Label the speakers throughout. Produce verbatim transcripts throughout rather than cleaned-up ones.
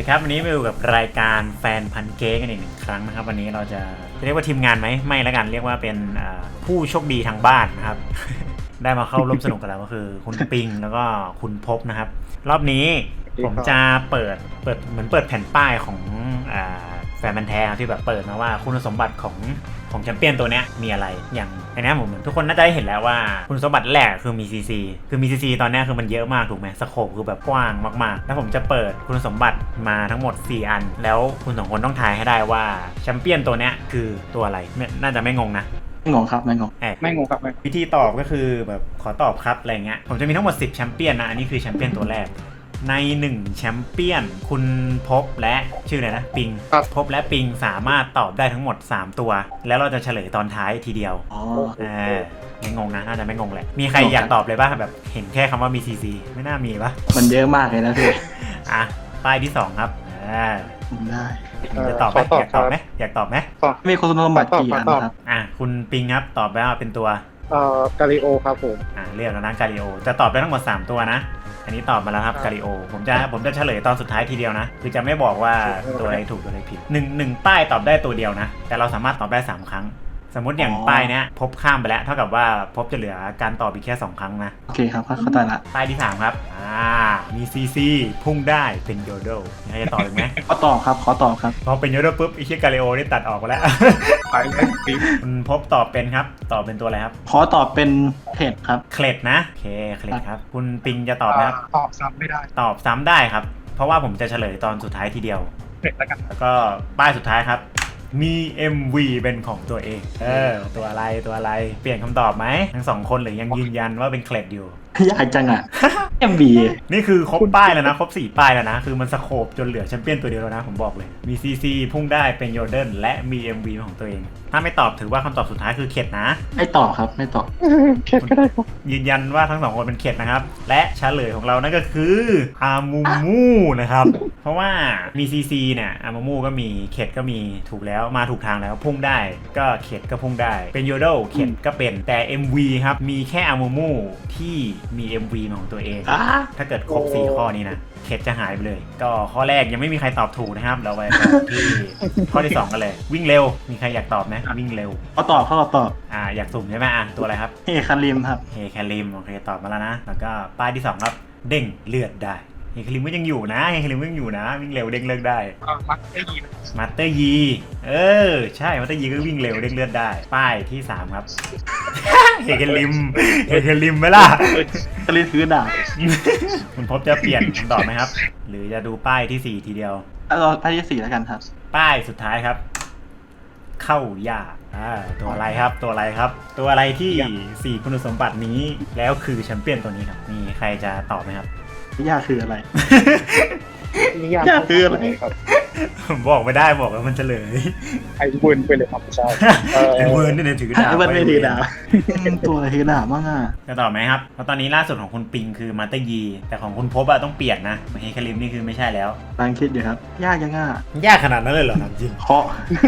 Speaker 1: ดีครับวันนี้มาอยู่กับรายการแฟนพันเค้กกันอีกหนึ่งครั้งนะครับวันนี้เราจะเรียกว่าทีมงานไหมไม่แล้วกันเรียกว่าเป็นผู้โชคดีทางบ้านนะครับ ได้มาเข้าร่วมสนุกกันแล้วก็คือคุณปิงแล้วก็คุณพบนะครับรอบนี้ผมจะเปิดเปิดเหมือนเปิดแผ่นป้ายของอ่าแฟนพันธุ์แท้ที่แบบเปิดมาว่าคุณสมบัติของของแชมเปี้ยนตัวเนี้ยมีอะไรอย่างอันนี้ผมเหมือนทุกคนน่าจะได้เห็นแล้วว่าคุณสมบัติแรกคือมี ซี ซี คือมี ซี ซี ตอนนี้คือมันเยอะมากถูกไหมสโคปคือแบบกว้างมากๆแล้วผมจะเปิดคุณสมบัติมาทั้งหมดสี่อันแล้วคุณสองคนต้องทายให้ได้ว่าแชมเปี้ยนตัวเนี้ยคือตัวอะไรน่าจะไม่งงนะ
Speaker 2: ไม่งงครับไม่งง
Speaker 3: ไม่งงครับ
Speaker 1: วิธีตอบก็คือแบบขอตอบครับอะไรเงี้ยผมจะมีทั้งหมดสิบแชมเปี้ยนนะอันนี้คือแชมเปี้ยนตัวแรกในหนึ่งแชมเปี้ยนคุณพบและชื่ออะไรนะปิงพบและปิงสามารถตอบได้ทั้งหมดสามตัวแล้วเราจะเฉลยตอนท้ายทีเดียว
Speaker 2: อ๋อ
Speaker 1: อ่าไม่งงนะน่าจะไม่งงแหละมีใครอยากตอบเลยป่ะแบบเห็นแค่คำว่ามี ซี ซี ไม่น่ามีป่ะ
Speaker 2: มันเยอะมากเลยนะพี่
Speaker 1: อ่ะป้ายที่สองครับอ่า
Speaker 2: ได้
Speaker 1: จะตอบไหมอยากตอบไหมอยากตอบไหม
Speaker 2: มีคุณสมบัติกี่อันครับ
Speaker 1: อ่ะคุณปิงครับตอบไปว่าเป็นตัว
Speaker 3: เอ่อกาลิโอครับผม
Speaker 1: อ่าเรียกแล้วนะกาลิโอจะตอบได้ทั้งหมดสามตัวนะอันนี้ตอบมาแล้วครับกาลิโอผมจะผมจะเฉลยตอนสุดท้ายทีเดียวนะคือจะไม่บอกว่าตัวอะไรถูกตัวอะไรผิดหนึ่งหนึ่งป้ายตอบได้ตัวเดียวนะแต่เราสามารถตอบได้สามครั้งสมมติอย่างป้ายเนี้ยพบข้ามไปแล้วเท่ากับว่าพบจะเหลือการตอบอีกแค่สองครั้งนะ
Speaker 2: โอเคครับเข้าใจละ
Speaker 1: ป้ายที่สามครับอ่ามีซีซีพุ่งได้เป็นโยโดใครจะตอบอีกไหม
Speaker 2: ขอตอบครับขอตอบครับ
Speaker 1: พอเป็นโยโดปุ๊บไอ้เชี่ยกาลิโอนี่ตัดออกไปแล้ว
Speaker 3: ไปแล้วปิ๊บ
Speaker 1: คุณพบตอบเป็นครับตอบเป็นตัวอะไรครับ
Speaker 2: ขอตอบเป็นเคล็ดครับ
Speaker 1: เคล็ดนะโอเคเคล็ดครับคุณปิงจะตอบนะครับ
Speaker 3: ตอบซ้ำไม่ได้
Speaker 1: ตอบซ้ำได้ครับเพราะว่าผมจะเฉลยตอนสุดท้ายทีเดียว
Speaker 3: เคล็ดแล้วกัน
Speaker 1: แล้วก็ป้ายสุดท้ายครับมี เอ็ม วี เป็นของตัวเองเออตัวอะไรตัวอะไรเปลี่ยนคำตอบไหมทั้งสองคนหรือยังยืนยันว่าเป็นเคล็ดอยู่
Speaker 2: ยากจังอ่ะ เอ็ม วี
Speaker 1: นี่คือครบป้ายแล้วนะครบสี่ป้ายแล้วนะคือมันสโคปจนเหลือแชมเปี้ยนตัวเดียวแล้วนะผมบอกเลยมี ซี ซี พุ่งได้เป็นโยเดนและมี เอ็ม วี ของตัวเองถ้าไม่ตอบถือว่าคำตอบสุดท้ายคือเข็ดนะ
Speaker 2: ไม่ตอบครับไม่ตอบ
Speaker 3: เข็ดก็ได้ครับ
Speaker 1: ยืนยันว่าทั้งสองคนเป็นเข็ดนะครับและเฉลยของเรานั่นก็คืออามูมูนะครับเพราะว่ามี ซี ซี เนี่ยอามูมูก็มีเข็ดก็มีถูกแล้วมาถูกทางแล้วพุ่งได้ก็เข็ดก็พุ่งได้เป็นโยโดเข็ดก็เป็นแต่ เอ็ม วี ครับมีแค่อามูมูที่มี เอ็ม วี ของตัวเองถ้าเกิดครบสี่ข้อนี้นะเข็ดจะหายไปเลยก็ข้อแรกยังไม่มีใครตอบถูกนะครับเราไปที่ข้อที่สองกันเลยวิ่งเร็วมีใครอยากตอบไหมวิ่งเร็ว
Speaker 2: เขาตอบเขาตอบ
Speaker 1: อ่าอยากสุ่มใช่ไหมอ่ะตัวอะไรครับ
Speaker 2: เฮคาริมครับ
Speaker 1: เฮคาริมโอเคตอบมาแล้วนะแล้วก็ป้ายที่สองครับเด้งเลือดได้เฮคาริมก็ยังอยู่นะเฮคาริมก็ยังอยู่นะวิ่งเร็วเด้งเลือดได้
Speaker 3: มัตเตอร์ยี
Speaker 1: มัตเตอร์ยีเออใช่มัตเตอร์ยีก็วิ่งเร็วเด้งเลือดได้ป้ายที่สามครับเฮคาริมเฮคาริมไหมล่ะ
Speaker 2: คาริมถือดาบ
Speaker 1: คุณพบจะเปลี่ยนคำตอบไหมครับหรือจะดูป้ายที่สี่ทีเดียว
Speaker 2: เอาป้ายที่สี่แล้วกันครับ
Speaker 1: ป้ายสุดท้ายครับเข้ายากอ่าตัวอะไรครับตัวอะไรครับตัวอะไรที่สี่คุณสมบัตินี้แล้วคือแชมเปี้ยนตัวนี้ครับมีใครจะตอบไหมครับ
Speaker 2: ยากคืออะไร
Speaker 3: ยาก
Speaker 2: คืออะไร
Speaker 1: ครับบอกไม่ได้บอกแล้วมันเฉลย
Speaker 3: ไอ้เวิร์นไปเลยครับใช่
Speaker 1: ไอ้เวิร์นนี่ถือดาบ
Speaker 2: ไอ้เวิร์นไม่ถือดาบตัวอะไรถือดาบบ้างอ่ะ
Speaker 1: จะตอบไหมครับเพราะตอนนี้ล่าสุดของคุณปิงคือมาเตอร์ยีแต่ของคุณพบอะต้องเปลี่ยนนะเฮคาริมนี่คือไม่ใช่แล้ว
Speaker 2: กำลังคิดอยู่ครับยากยังอ่ะ
Speaker 1: ยากขนาดนั้นเลยเหรอจริง
Speaker 2: เคาะ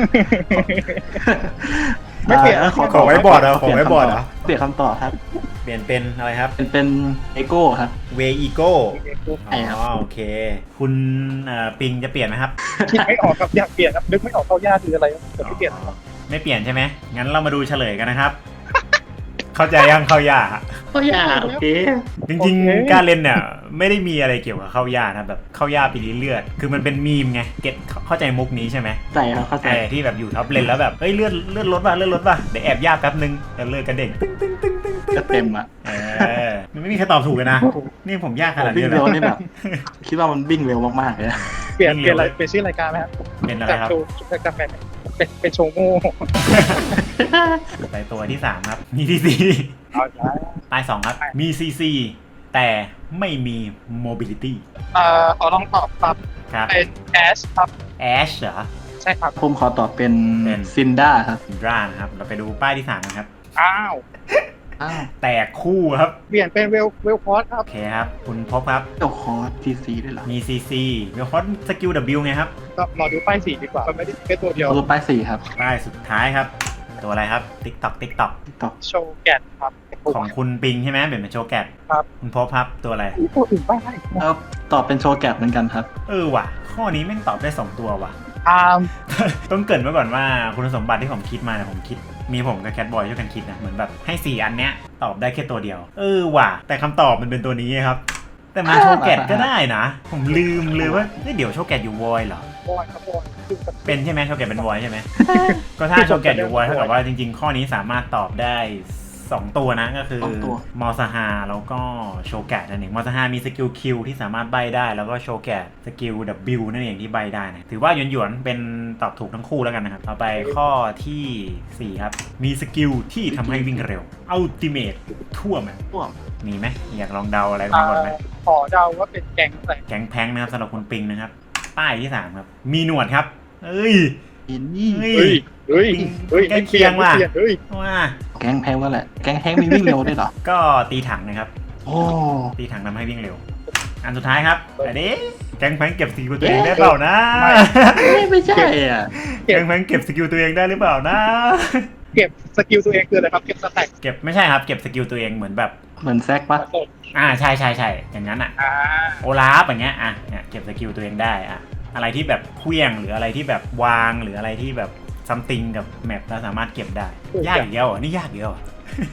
Speaker 1: ไม่เปลี่ยนขอไว้บอร์ดเหรอขอไว้บอร์ดเหรอ
Speaker 2: เปลี่ยนคำตอบครับ
Speaker 1: เปลี่ยนเป็นอะไรครับ
Speaker 2: เป็นเป็นเอโก้ครับ
Speaker 1: เวอีโก้อ๋อโอเคคุณปิงจะเปลี่ยนไหมครับ
Speaker 3: คิดไม่ออกครับอยากเปลี่ยนครับนึกไม่ออกเข้ายากคืออะไรแต่ไม่เปลี่ยน
Speaker 1: ไม่เปลี่ยนใช่ไหมงั้นเรามาดูเฉลยกันนะครับเข้าใจยังเข้ายา
Speaker 2: เข้ายาโอเค
Speaker 1: จริงๆการเล่นเนี่ยไม่ได้มีอะไรเกี่ยวกับเข้ายานะแบบเข้ายาปีนี้เลือดคือมันเป็นมีมไงเก็ตเข้าใจมุกนี้ใช่ไหม
Speaker 2: ใช่ครับเข้าใจ
Speaker 1: ที่แบบอยู่ท็อปเลนแล้วแบบเฮ้ยเลือดเลือดลดป่ะเลือดลดป่ะเดี๋ยวแอบยาแป๊บนึงแล้วเลือดกระเด็นตึ้งตึ้งตึ้งตึ้งตึ้ง
Speaker 2: เต็มอ่ะ
Speaker 1: เออมันไม่มีใครตอบถูกเลยนะนี่ผมยากขนาดนี้
Speaker 2: เลยนี่แบบคิดว่ามันวิ่งเร็วมากๆเลย
Speaker 3: เปลี่ยนเปลี่ยนอะไรเป็นชื่อรายการไหมครับ
Speaker 1: เป็นอะไรครับ
Speaker 3: รายการเป็นเป็นเป็นโชว์โม่
Speaker 1: ไปตัวที่สามครับมีซีซีป้ายสองครับมีซีซีแต่ไม่มี mobility
Speaker 3: เอ่อขอลองตอบครับเป็นแอชครับ
Speaker 1: แอชเหรอ
Speaker 3: ใช่ครับ
Speaker 2: ผมขอตอบเป็นซินด้าครับ
Speaker 1: ซินด้านะครับเราไปดูป้ายที่สามนะครับ
Speaker 3: อ้าว
Speaker 1: แตกคู่ครับ
Speaker 3: เปลี่ยนเป็นเวลเวลคอร์สครับ
Speaker 1: โอเคครับคุณพบครับ
Speaker 2: เวลคอร์สซีซีด้วยเหรอ
Speaker 1: มีซีซีเวลคอร์สสกิล W ไงครับ
Speaker 3: ก็รอดูป้ายสี่ดีกว่ามันไม่ได้แค่ตัวเดียว
Speaker 2: ดูป้ายสี่ครับ
Speaker 1: ป้ายสุดท้ายครับตัวอะไรครับติ๊กต็อกติ๊กต็อก
Speaker 2: ต่อ
Speaker 3: โชว์แกนครับ
Speaker 1: ของคุณปิงใช่ไหมเป็นโชว์แกต
Speaker 3: ครับ
Speaker 1: คุณพบครับตัวอะไร
Speaker 3: ตัวอื่นบ้างได้
Speaker 2: แล้วตอบเป็นโชว์แกะเหมือนกันครับ
Speaker 1: เออว่ะ ข้อนี้แม่งตอบได้สองตัวว่ะ
Speaker 3: อาร์ม
Speaker 1: ต้องเกรินไว้ก่อนว่าคุณสมบัติที่ผมคิดมาเนี่ยผมคิดมีผมกับแคทบอยช่วยกันคิดนะเหมือนแบบให้สี่อันเนี้ยตอบได้แค่ตัวเดียว เออว่ะ แต่คำตอบมันเป็นตัวนี้ครับ แต่มาโชว์แกตก็ได้นะ ผมลืมเลยว่าเฮ้ยเดี๋ยวโชว์แกตอยู่วอยเหรอ
Speaker 3: บอยครับบอยคือแบบ
Speaker 1: เป็นใช่ไหมโชว์แกตเป็นวอยใช่ไหม ก็ถ้าโชว์แกตอยู่วอยเท่ากับว่าจริงๆ ข้อนี้สามารถตอบได้สองตัวนะก็คือ
Speaker 2: สองตัว
Speaker 1: มอสฮาแล้วก็โชว์แกตนั่นเองมอสฮามีสกิลคิวที่สามารถใบได้แล้วก็โชว์แกตสกิล W นั่นเองที่ใบได้นะถือว่าหยวนๆเป็นตอบถูกทั้งคู่แล้วกันนะครับต่อไปข้อที่สี่ครับมีสกิลที่ทำให้วิ่งเร็วอัลติเมททั่วแมป
Speaker 2: พวก
Speaker 1: มีไหมอยากลองเดาอะไร
Speaker 3: อ่า
Speaker 1: มาก่อนไหม
Speaker 3: ขอเดาว่าเป็นแก๊งอะไร
Speaker 1: แก๊งแพงนะครับสำหรับคุณปิงนะครับป้ายที่สามครับมีหนวดครับเอ้ย
Speaker 2: อินนี่
Speaker 1: เฮ้
Speaker 3: เฮ้
Speaker 1: ย
Speaker 3: ยเฮ้ยเฮ้ย
Speaker 1: ใกล้เคียงว่ะ
Speaker 3: ไม่เปลี่นเฮ้ย
Speaker 1: ว่า
Speaker 2: แก๊งแพงว่าแหละ แก๊งแพงมีวิ่งเร็วด้วยเหรอ
Speaker 1: ก็ตีถังนะครับ
Speaker 2: โอ้
Speaker 1: ตีถังทำให้วิ่งเร็ว อันสุดท้ายครับอันนี้แก๊งแพงเก็บสกิลตัวเองได้เปล่านะ
Speaker 2: ไม่ไม่ใช่อ่ะ
Speaker 1: แก๊งแพงเก็บสกิลตัวเองได้หรือเปล่านะ
Speaker 3: เก็บสกิลตัวเองคืออะไรครับ เก็บสแต็ก
Speaker 1: เก็บไม่ใช่ครับเก็บสกิลตัวเองเหมือนแบบ
Speaker 2: เหมือนแซกปะ
Speaker 3: สด
Speaker 1: อ่าใช่ใช่ใช่อย่างนั้นอ่ะ
Speaker 3: อ่า
Speaker 1: โอลาฟอย่างเงี้ยอ่ะเนี่ยเก็บสกิลตัวเองได้อ่ะอะไรที่แบบเคลี้ยงหรืออะไรที่แบบวางหรืออะไรที่แบบซัมติงกับแมปเราสามารถเก็บได้ยากอีกแล้วเหรอนี่ยากอีกแล้วเหรอย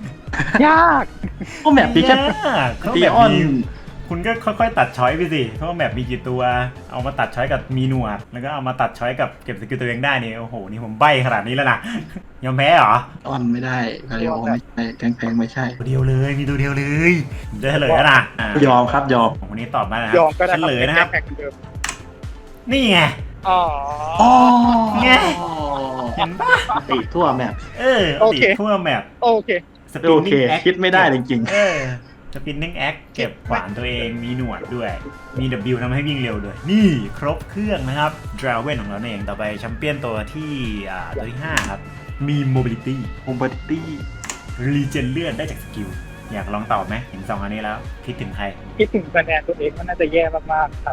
Speaker 3: าก
Speaker 2: ก็แบบนี้แค่
Speaker 1: ยากเขา
Speaker 2: ตี
Speaker 1: แบบ
Speaker 2: ออน
Speaker 1: มีคุณก็ค่อยๆตัดช้อยไปสิเพราะว่าแมปมีกี่ตัวเอามาตัดช้อยกับมีหนวดแล้วก็เอามาตัดช้อยกับเก็บสกิลตัวเองได้นี่โอ้โหนี่ผมใบ้ขนาดนี้แล้วนะยอมแพ้เหรอ
Speaker 2: ออนไม่ได้คาริโอไม่ใช่ แก๊งแพงไม่ใช่
Speaker 1: ตัวเดียวเลยมีตัวเดียวเลยผมจะเฉลยแล้วนะอ่ะ
Speaker 2: ยอมครับยอม
Speaker 1: ของคนนี้ตอบมาแล้วนะ
Speaker 3: ยอมก็ได้
Speaker 1: เฉลยนะครับ
Speaker 3: แข่งเดิม
Speaker 1: นี่ไง
Speaker 3: อ๋อ
Speaker 2: อ๋อ
Speaker 1: ไง เห็นปะ
Speaker 2: ติทั่วแมป
Speaker 1: เออ
Speaker 3: โอเค
Speaker 1: ติดทั่วแมป
Speaker 3: โอเค
Speaker 1: สปิน
Speaker 2: โอ
Speaker 1: นิ่
Speaker 2: เค
Speaker 1: งแอค
Speaker 2: คิดไม่ได้จริง
Speaker 1: เออสปินนิ่งแอคเก็บขวานตัวเองมีหนวดด้วย มี W ทำให้วิ่งเร็วด้วย นี่ครบเครื่องนะครับดราเวนของเราเองต่อไปแชมเปี้ยนตัวที่อ่าตัวที่ห้าครับมี mobility
Speaker 2: ๆ โมบิลิตี้
Speaker 1: รีเจนเลือดได้จากสกิลอยากลองตอบไหมเห็นสองอันนี้แล้วคิดถึงใคร
Speaker 3: คิดถึงคะแนนตัวเองมันน่าจะแย่มากๆครับ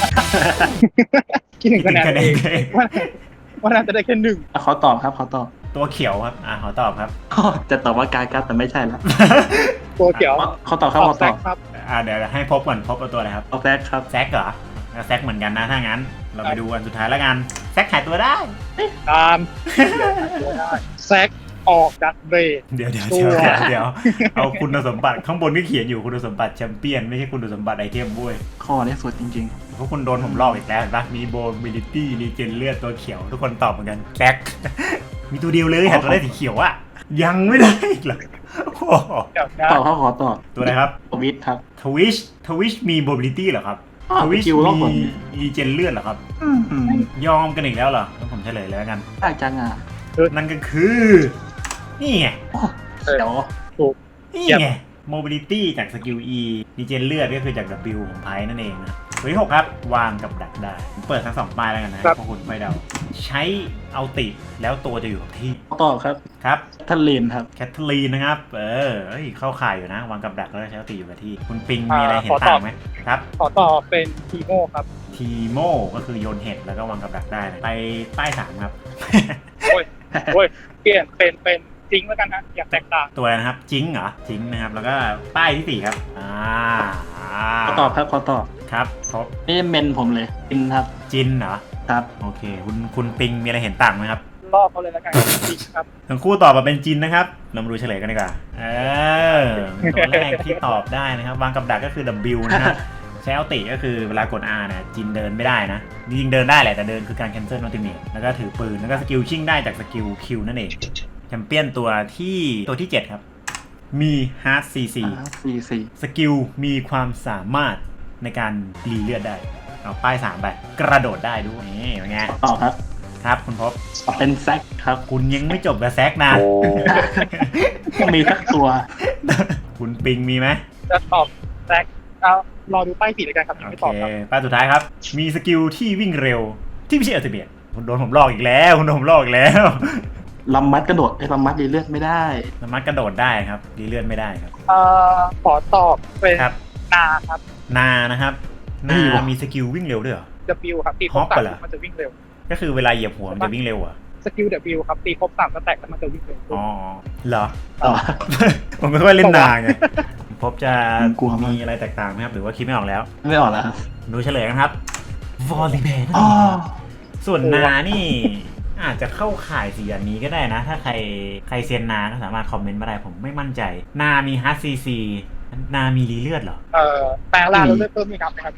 Speaker 3: คิดถึงคะแนนตัวเองว่าว่าน่าจะได้แค่หนึ่ง
Speaker 2: ขอตอบครับขอตอบ
Speaker 1: ตัวเขียวครับอ่าขอตอบครับ
Speaker 2: จะตอบว่าการกัดแต่ไม่ใช่แล้ว
Speaker 3: ตัวเขียว
Speaker 2: เขาตอบครับ
Speaker 3: ออ
Speaker 2: เขา
Speaker 3: ก
Speaker 2: ต
Speaker 3: แซ
Speaker 2: อบ
Speaker 3: กครับ
Speaker 1: อ่าเดี๋ยวให้พบก่อนพบเอาตัวอะไรครับ
Speaker 2: เอาแซกครับ
Speaker 1: แซกเหรอแล้วแซกเหมือนกันนะถ้างั้น เราไปดูอันสุดท้ายแล้วกันแซกหายตัวได้
Speaker 3: ตามตัวได้แซกออกดักเบรด
Speaker 1: เดี๋ยวเดี๋ยว
Speaker 3: ตั
Speaker 1: เดี๋ยว
Speaker 3: ว
Speaker 1: เดี๋ยวเดี๋ยวเอาคุณสมบัติข้างบนก็เขียนอยู่คุณสมบัติแชมเปี้ยนไม่ใช่คุณสมบัติไอเทมบ้วย
Speaker 2: ข้อนี้สุดจริง
Speaker 1: เพราะคุณโดนผมลอกอีกแล้วเห็นปะมีโบมิลิตี้รีเจนเลือดตัวเขียวทุกคนตอบเหมือนกันแซก มีตัวเดียวเลยหาตัวได้สีเขียวอะยังไม่ได้อีกเหรอโอ้โห
Speaker 3: เดี๋ยวนะ
Speaker 2: ๆ ตอบเขาขอตอบ
Speaker 1: ตัวอะไรครับ
Speaker 2: ทวิตครับ
Speaker 1: ทวิชทวิชมีโบมิลิตี้เหรอครับ
Speaker 2: อ้าว
Speaker 1: ทวิช
Speaker 2: สกิลลอกหมด
Speaker 1: มีรีเจนเลือดเหรอครับ
Speaker 2: อืม
Speaker 1: ยอมกันอีกแล้วเหรองั้นผมเฉลยเลยแล้วกัน
Speaker 2: ยากจังอ่ะ
Speaker 1: นั่นก็คือ นี่ไง
Speaker 2: โอ้เดี๋ยว
Speaker 1: นี่ไง mobility จากสกิล E ดีเจนเลือดก็คือจาก W ของไพ่นั่นเองนะตัวที่หกครับ วางกับดักได้ผมเปิดทั้งสองป้ายแล้วกันนะพวกคุณไปเดา ใช้เอาติแล้วตัวจะอยู่กับที่
Speaker 2: ตอบครับ
Speaker 1: ครับ
Speaker 2: ทันเลนครับ
Speaker 1: แคทเธอรีนนะครับ เออเอ้ยเข้าข่ายอยู่นะ วางกับดักแล้วใช้เอาติอยู่กับที่ คุณปิงมีอะไรเห็นต่างไหมครับ
Speaker 3: ขอตอบเป็นทีโมครับ
Speaker 1: ทีโมก็คือโยนเห็ดแล้วก็วางกับดักได้นะไปป้ายสามครับ
Speaker 3: โอ้ยโอ้ยเปลี่ยนเป็นเป็นจริงแล้วกันนะอยากแตกต่าง
Speaker 1: ตัวอะไรนะครับจิงเหรอจิงนะครับแล้วก็ป้ายที่สี่ครับอ่า
Speaker 2: ขอตอบครับขอตอบ
Speaker 1: ครับครบ
Speaker 2: นี่เมนผมเลยจินครับ
Speaker 1: จินเหรอ
Speaker 2: ครับ
Speaker 1: โอเค คุณคุณปิงมีอะไรเห็นต่างไหมครับ
Speaker 3: รอบเขาเลยแล้วกันจริงครับ
Speaker 1: ทั้งคู่ตอบมาเป็นจินนะครับ เรามาดูเฉลยกันดีกว่า เออตัวแรกที่ตอบได้นะครับ วางกับดักก็คือ W นะครับ ใช้เอาติก็คือเวลากด R เนี่ยจินเดินไม่ได้นะจริงๆเดินได้แหละแต่เดินคือการ cancel ultimate แล้วก็ถือปืน แล้วก็สกิลชิ่งได้จากสกิล Q นั่นเอง แชมเปี้ยนตัวที่ตัวที่เจ็ดครับ มี Hard ซี ซี
Speaker 2: สี่สี่
Speaker 1: สกิลมีความสามารถในการรีเลือดได้ เอาป้ายสามไป กระโดดได้ด้วยนี่เป็นไง
Speaker 2: ตอบครับ
Speaker 1: ครับคุณพบ
Speaker 2: เป็นแซกครับ
Speaker 1: คุณยังไม่จบกับแซกนะ
Speaker 2: ต้องมีสักตัว
Speaker 1: คุณปิงมีไหม
Speaker 3: จะตอบแซกเอารอดูป้ายสีเลยกันครับยัง
Speaker 1: โอ
Speaker 3: ไม่
Speaker 1: เค
Speaker 3: ตอบครับ
Speaker 1: ป้ายสุดท้ายครับ มีสกิลที่วิ่งเร็วที่ไม่ใช่อัลติเมทคุณโดนผมลอกอีกแล้ว คุณโดนผมลอกอีกแล้ว
Speaker 2: ลำมัดกระโดดไอ้ลำมัดรีเลือดไม่ได้
Speaker 1: สามารถกระโดดได้ครับรีเลือดไม่ได้ครับ
Speaker 3: เอ่อขอตอบเป็น
Speaker 1: ครับ
Speaker 3: นาครับ
Speaker 1: นานะครับ
Speaker 2: เฮ้
Speaker 1: นาย
Speaker 2: ว่ะ
Speaker 1: มีสกิลวิ่งเร็วด้วยเหรอ
Speaker 3: W ครับที่
Speaker 1: ฮอป
Speaker 3: ตั
Speaker 1: ไปเหรอ
Speaker 3: มันจะวิ่งเร็ว
Speaker 1: ก็คือเวลาเหยียบหัวมันจะวิ่งเร็วเหรอ่ะ
Speaker 3: สกิลเดบิวครับตีครบสามสแต็กแล้วมันจะวิ่งเลย
Speaker 1: อ๋อเหรอ
Speaker 2: ต่อ
Speaker 1: ผมไม่ค่อยเล่นนานไงพบจะ
Speaker 2: ผมกลัวมาก
Speaker 1: มีอะไรแตกต่างไหมครับหรือว่าคิดไม่ออกแล้ว
Speaker 2: ไม่ออกแล้วครับ
Speaker 1: ดูเฉลยกันครับวอลลีแบน
Speaker 2: อ๋อ
Speaker 1: ส่วนนานี่อาจจะเข้าข่ายสี่อันนี้ก็ได้นะ ถ้าใครใครเซียนนาก็สามารถคอมเมนต์มาได้ผมไม่มั่นใจ นามีฮาร์ดซีซีนามีรีเลือดเหรอ
Speaker 3: เอ่อแปลงร่างแล้วเลือดเพิ่มมีครับนะครับ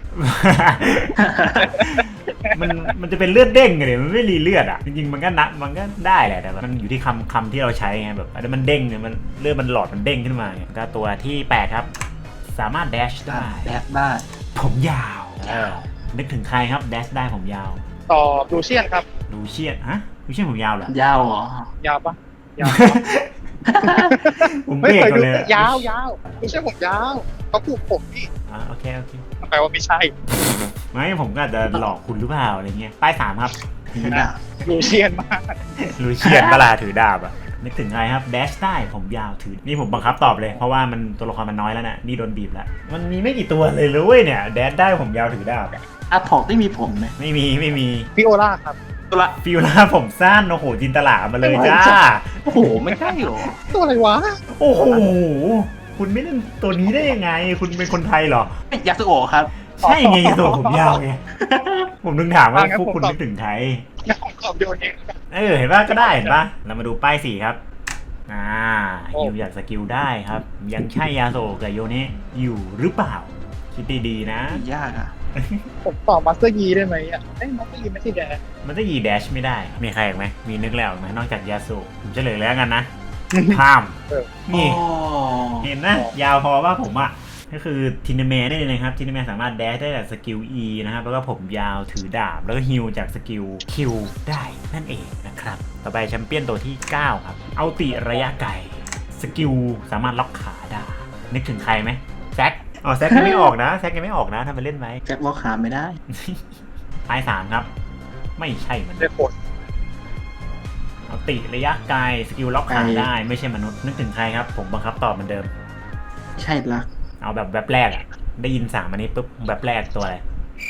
Speaker 1: มันมันจะเป็นเลือดเด้งไงเนี่ยมันไม่รีเลือดอ่ะจริงๆมันก็นับมันก็ได้แหละแต่แบบมันอยู่ที่คำคำที่เราใช้ไงแบบอันนี้มันเด้งเนี่ยมันเลือดมันหลอดมันเด้งขึ้นมาไงก็ตัวที่แปดครับ สามารถแดชได้
Speaker 2: แดดได้
Speaker 1: ผมยาวเออนึกถึงใครครับแดชได้ผมยาว
Speaker 3: ต่อลูเชียนครับ
Speaker 1: ลูเชียนฮะลูเชียนผมยาวเหรอ
Speaker 2: ยาวเหรอ
Speaker 3: ยาวปะยาว
Speaker 1: ผมเบ
Speaker 3: ไม่
Speaker 1: รก
Speaker 3: เคย
Speaker 1: ก่อ
Speaker 3: ดู
Speaker 1: นเลย
Speaker 3: ยาวยาวลูเชียนผมยาวเขาปลูกผมพี่
Speaker 1: อ่าโอเคโอเค
Speaker 3: แปลว่าไม่ใช่
Speaker 1: ไม่ผมก็อาจจะหลอกคุณหรือเปล่าอะไรเงี้ยป้ายสามครับ
Speaker 2: ถือดาบ
Speaker 3: ลูเชียนมาก
Speaker 1: ลูเชียนเวลาถือดาบอะนึกถึงใครครับแดชได้ผมยาวถือนี่ผมบังคับตอบเลยเพราะว่ามันตัวละครมันน้อยแล้วนะนี่โดนบีบแล้วมันมีไม่กี่ตัวเลยเลยเว้ยเนี่ยแดชได้ผมยาวถือดาบอะ
Speaker 2: อาถอกได้มีผมไหม
Speaker 1: ไม่มีไม่มี
Speaker 3: พี่โอล่าครับ
Speaker 2: ตัวละ
Speaker 1: ฟิวล่าผมสั้นโอ้โหจินตลามาเลยจ้า
Speaker 2: โอ้โห ไม่ใช่เหรอ
Speaker 3: ตัวอะไรวะ
Speaker 1: โอ้โหคุณไม่เล่นตัวนี้ได้ยังไง คุณเป็นคนไทยเหรอ
Speaker 2: ไม่ยาสุโอะครับ
Speaker 1: ใช่ไงตัวผมยาวไงผมนึกถามว่าพวกคุณนึกถึงใคร
Speaker 3: ยังของขอบโยนเอง
Speaker 1: เออเห็นป่ะก็ได้เห็นป่ะเรามาดูป้ายสี่ครับอ่าฮิวอยากสกิลได้ครับ ยังใช่ยาโซกับโยเนะอยู่หรือเปล่า คิดดีๆนะ
Speaker 2: ยากอ่ะ
Speaker 3: ผมต่อมาสเตอร์ยีได้ไหมอ่ะเอ้ยมาสเตอร์ยีไม่ใช่แดง
Speaker 1: มันจะยีแดชไม่ได้ มีใครอีกไหมมีนึกแล้วไหมนอกจากยาโซผมเฉลยแล้วกันนะข้าม
Speaker 3: เออ
Speaker 1: นี่
Speaker 2: อ๋อ
Speaker 1: เห็นนะ ยาวพอว่าผมอ่ะ ก็คือทินเมะได้เลยนะครับทินเมะสามารถแดชได้จากสกิล E นะครับแล้วก็ผมยาวถือดาบ แล้วก็ฮิลจากสกิล Q ได้นั่นเองนะครับ ต่อไปแชมเปี้ยนตัวที่ เก้า ครับ เอาติระยะไกลสกิลสามารถล็อกขาได้ นึกถึงใครไหมแซกอ๋อแซกยังไม่ออกนะแซกยังไม่ออกนะทำไปเล่นไหม
Speaker 2: แจ็คล็อกขาไม่ได้
Speaker 1: ป้ายสามครับ ไม่ใช่มัน
Speaker 3: ได้ผล
Speaker 1: เอาติระยะไกลสกิลล็อกขาได้ไม่ใช่มนุษย์นึกถึงใครครับผมบังคับตอบเหมือนเดิม
Speaker 2: ใช่ละ
Speaker 1: เอาแบบแบบแรกอะได้ยินสามอันนี้ปุ๊บแบบแรกตัวอะไร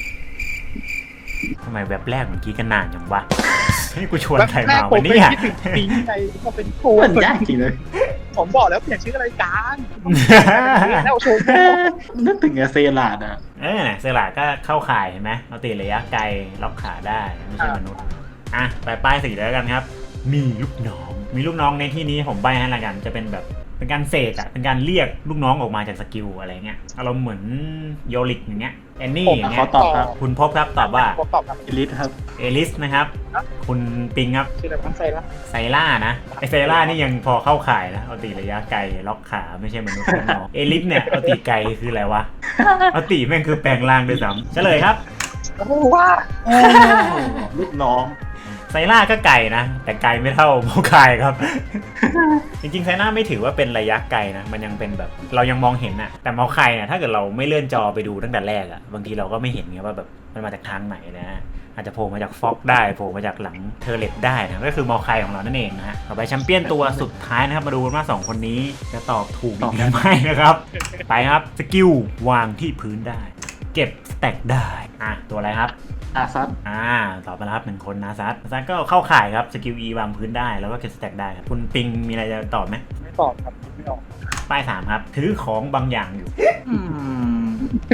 Speaker 1: ทำไมแบบแรกเหมือนกี้กันนานอย่างวะให้กูชวนใครมา
Speaker 3: ผ
Speaker 1: วั
Speaker 3: ม
Speaker 1: น
Speaker 3: ไป
Speaker 1: นี้อะ
Speaker 3: คิดถึงปิงไงก็เป็นโค
Speaker 2: มันยากจริงเลย
Speaker 3: ผมบอกแล้วเปลี่ยนชื่อรายการแล้วโชว์
Speaker 2: นึกถึงเซราดอ่ะ
Speaker 1: เออเซราก็เข้าข่ายเห็นไหมเอาตีระยะไกลล็อกขาได้ไม่ใช่มนุษย์อ่ะไปป้ายสี่แล้วกันครับ มีลูกน้อง มีลูกน้องในที่นี้ผมใบให้ละกันจะเป็นแบบเป็นการเสกอะเป็นการเรียกลูกน้องออกมาจากสกิลอะไรเงี้ยอารมณ์เหมือนโยลิกอย่างเงี้ยแอนนี่อย่างเงี้
Speaker 2: เขา
Speaker 1: ย
Speaker 2: ตอบครับ
Speaker 1: คุณพบครับตอบว่า
Speaker 3: ผมตอบครับ
Speaker 2: อิลิทครับ
Speaker 1: เอลิสนะครับ คุณปิงครับ
Speaker 3: ชื่ออะไรมันไซละ
Speaker 1: ไซล่านะไอไซล่านี่ยังพอเข้าข่ายนะเอาตีระยะไกลล็อกขาไม่ใช่มนุษย์น้องเอลิสเนี่ยเอาตีไกลคืออะไรวะเอาตีแม่งคือแปลงร่างด้วยซ้ำเฉลยครับ
Speaker 3: โอ้ว่า
Speaker 2: โอ้ลูกน้อง
Speaker 1: ไซล่าก็ไกลนะแต่ไกลไม่เท่าโมคายครับ จริงๆไซล่าไม่ถือว่าเป็นระยะไกลนะมันยังเป็นแบบเรายังมองเห็นอะแต่โมคายเนี่ยถ้าเกิดเราไม่เลื่อนจอไปดูตั้งแต่แรกอะบางทีเราก็ไม่เห็นไงว่าแบบมันมาจากทางไหนนะอาจจะโผล่มาจากฟ็อกได้โผล่มาจากหลังเทอร์เลตได้นะก็คือมอคายของเรานั่นเองนะฮะต่อไปแชมเปี้ยนตัวสุดท้ายนะครับมาดูกันว่าสองคนนี้จะตอบถูกหรือไม่นะครับ ไปครับสกิลวางที่พื้นได้ เก็บสแต็กได้อ่ะตัวอะไรครับ
Speaker 2: อาซัด
Speaker 1: อ่าตอบไปแล้วครับหนึ่งคนนาซัสนาซัสก็เข้าข่ายครับสกิล E วางพื้นได้แล้วก็เก็บสแต็กได้ครับคุณปิงมีอะไรจะตอบไหม
Speaker 3: ไม่ตอบครับไม่ออก
Speaker 1: ป้ายสามครับถือของบางอย่างอยู่
Speaker 2: อืม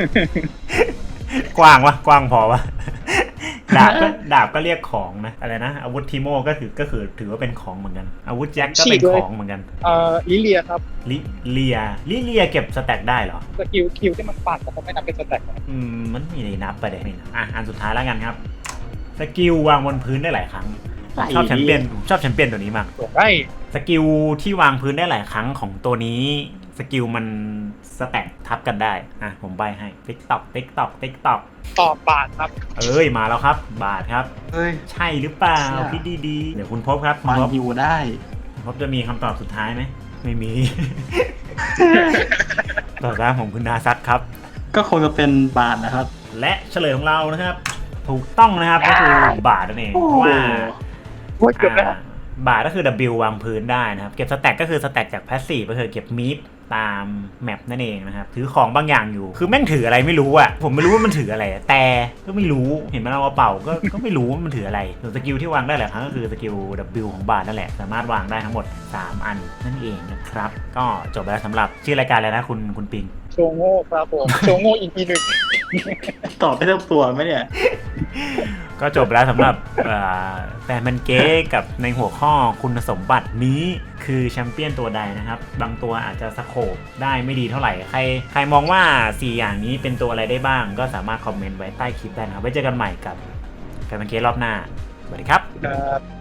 Speaker 1: กว้างวะกว้างพอวะ ดาบก็ดาบก็เรียกของนะอะไรนะอาวุธทีโมก็ถือก็คือถือว่าเป็นของเหมือนกันอาวุธแจ็คก็เป็นของเหมือนกัน
Speaker 3: เอ่อลิเลียครับ
Speaker 1: ลิเลียลิเลียเก็บสแต็กได้เหรอ
Speaker 3: สกิลคิวที่มันปัดแต่เขาไม่นับเป็นสแต็กนะ
Speaker 1: อืมมันไม่ได้นับไปเลยนี่นะอ่ะอันสุดท้ายแล้วกันครับสกิลวางบนพื้นได้หลายครั้งชอบแชมเปี้ยนผมชอบแชมเปี้ยนตัวนี้มาก
Speaker 3: ส่วนได้
Speaker 1: สกิลที่วางพื้นได้หลายครั้งของตัวนี้สกิลมันสแต็กทับกันได้อ่ะผมใบให้ติ๊กตอกติ๊กตอกติ๊กตอก
Speaker 3: ตอบบาทครับ
Speaker 1: เอ้ยมาแล้วครับ บาทครับ
Speaker 2: เฮ้ย
Speaker 1: ใช่หรือเปล่า
Speaker 2: ใช่
Speaker 1: คิดดีๆเดี๋ยวคุณพบครับคุณ
Speaker 2: มัน
Speaker 1: พบ
Speaker 2: อยู่ได้
Speaker 1: คุณพบจะมีคำตอบสุดท้ายไหมไม่มี ตอบรับของคุณนาซัตครับ
Speaker 2: ก็คงจะเป็นบาทนะครับ
Speaker 1: และเฉลยของเรานะครับ ถูกต้องนะครับก็คือบาทนั่นเอง
Speaker 2: โอ้
Speaker 1: เพ
Speaker 2: โห
Speaker 1: ราะว่า
Speaker 3: โอ้ยเกือบแล้ว
Speaker 1: อ่าบาทก็คือ W วางพื้นได้นะครับ เก็บสแต็กก็คือสแต็กจากแพสซีฟก็คือเก็บมีดตามแมปนั่นเองนะครับถือของบางอย่างอยู่คือแม่งถืออะไรไม่รู้อะผมไม่รู้ว่ามันถืออะไรแต่ก็ไม่รู้เห็นมันเอากระเป๋าก็ก็ไม่รู้ว่ามันถืออะไรส่วนสกิลที่วางได้หลายครั้งก็คือสกิล W ของบาทนั่นแหละสามารถวางได้ทั้งหมดสามอันนั่นเองนะครับก็จบไปแล้วสำหรับชื่อรายการเลยนะคุณคุณปิง
Speaker 3: โชว์โง่ครับผมโชว์โง่อีกทีหนึ่ง
Speaker 2: ตอบได้ทั้งตัวไหมเนี่ย
Speaker 1: ก็จบแล้วสำหรับแฟนมันเก๊กับในหัวข้อคุณสมบัตินี้คือแชมเปี้ยนตัวใดนะครับบางตัวอาจจะสโคปได้ไม่ดีเท่าไหร่ใครใครมองว่าสี่อย่างนี้เป็นตัวอะไรได้บ้างก็สามารถคอมเมนต์ไว้ใต้คลิปได้นะครับไว้เจอกันใหม่กับแฟนมันเก๊รอบหน้าสวัสดีครับ
Speaker 3: ครับ